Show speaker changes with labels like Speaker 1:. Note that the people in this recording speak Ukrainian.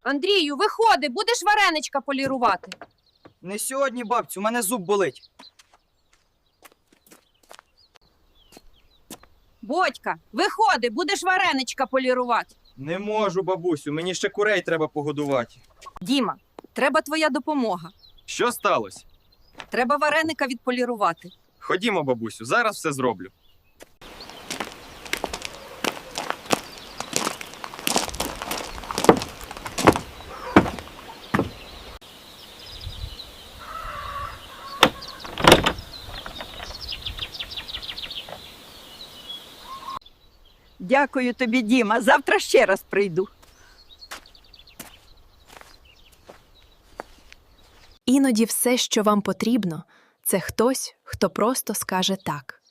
Speaker 1: Андрію, виходи, будеш вареничка полірувати.
Speaker 2: Не сьогодні, бабцю, у мене зуб болить.
Speaker 1: Бодька, виходи, будеш вареничка полірувати.
Speaker 3: Не можу, бабусю, мені ще курей треба погодувати.
Speaker 1: Діма, треба твоя допомога.
Speaker 3: Що сталося?
Speaker 1: Треба вареника відполірувати.
Speaker 3: Ходімо, бабусю, зараз все зроблю.
Speaker 4: Дякую тобі, Діма. Завтра ще раз прийду.
Speaker 5: Іноді все, що вам потрібно, це хтось, хто просто скаже «так».